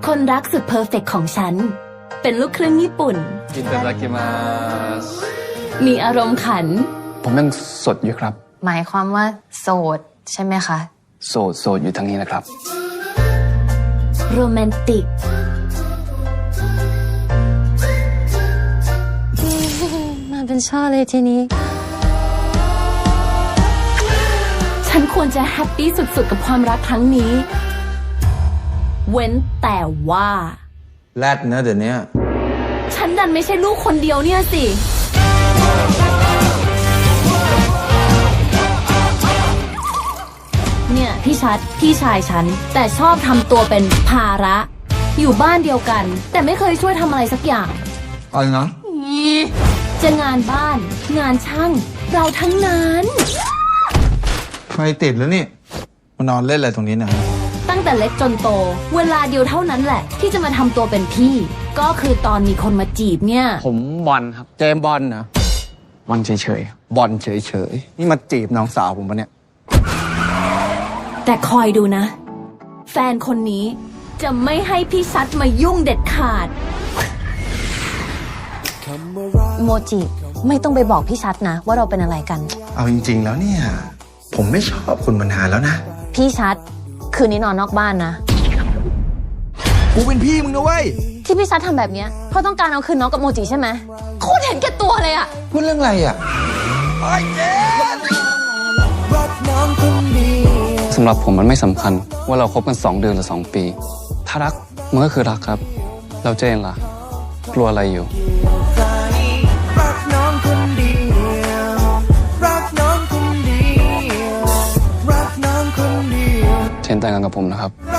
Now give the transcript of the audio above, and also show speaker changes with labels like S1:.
S1: คนรักสุดเพอร์เฟกต์ของฉันเป็นลูกครึ่งญี่ปุ่น
S2: อิตาดากิมาส
S1: มีอารมณ์ขัน
S2: ผมยังสดอยู่ครับ
S3: หมายความว่าโสดใช่ไหมคะ
S2: โสดอยู่ทางนี้นะครับ
S1: โรแมนติก
S3: มาเป็นช่อเลยทีนี้
S1: ฉันควรจะแฮปปี้สุดๆกับความรักครั้งนี้เว้นแต่ว่า
S4: แรดนะเดี๋ยวนี้
S1: ฉันดันไม่ใช่ลูกคนเดียวเนี่ยสิเนี่ยพี่ชัดพี่ชายฉันแต่ชอบทำตัวเป็นภาระอยู่บ้านเดียวกันแต่ไม่เคยช่วยทำอะไรสักอย่าง
S4: อะไรนะ
S1: จะงานบ้านงานช่างเราทั้งนั้น
S4: ไฟติดแล้วนี่มานอนเล่นอะไรตรงนี้นะ
S1: ตั้งแต่เล็กจนโตเวลาเดียวเท่านั้นแหละที่จะมาทำตัวเป็นพี่ก็คือตอนมีคนมาจีบเนี่ย
S2: ผมบอลครับ
S4: เจมบอลนะ
S2: บอลเฉย
S4: บอลเฉยนี่มาจีบน้องสาวผมปะเนี่ย
S1: แต่คอยดูนะแฟนคนนี้จะไม่ให้พี่ชัดมายุ่งเด็ดขาด
S3: โมจิไม่ต้องไปบอกพี่ชัดนะว่าเราเป็นอะไรกัน
S4: เอาจริงๆแล้วเนี่ยผมไม่ชอบคุณมานานแล้วนะ
S3: พี่ชัดคืนนี้นอนนอกบ้านนะ
S4: กูเป็นพี่มึงนะเว้ย
S3: ที่พี่ชัดทำแบบนี้เพราะต้องการเอาคืนน้องกับโมจิใช่ไหมโคตรเห็นแก่ตัวเลยอะ
S4: พูดเรื่องอะไรอะ
S2: สำหรับผมมันไม่สำคัญว่าเราคบกัน2 เดือนหรือ2 ปีถ้ารักมันก็คือรักครับเราเจนล่ะกลัวอะไรอยู่เจนแต่งงานกับผมนะครับ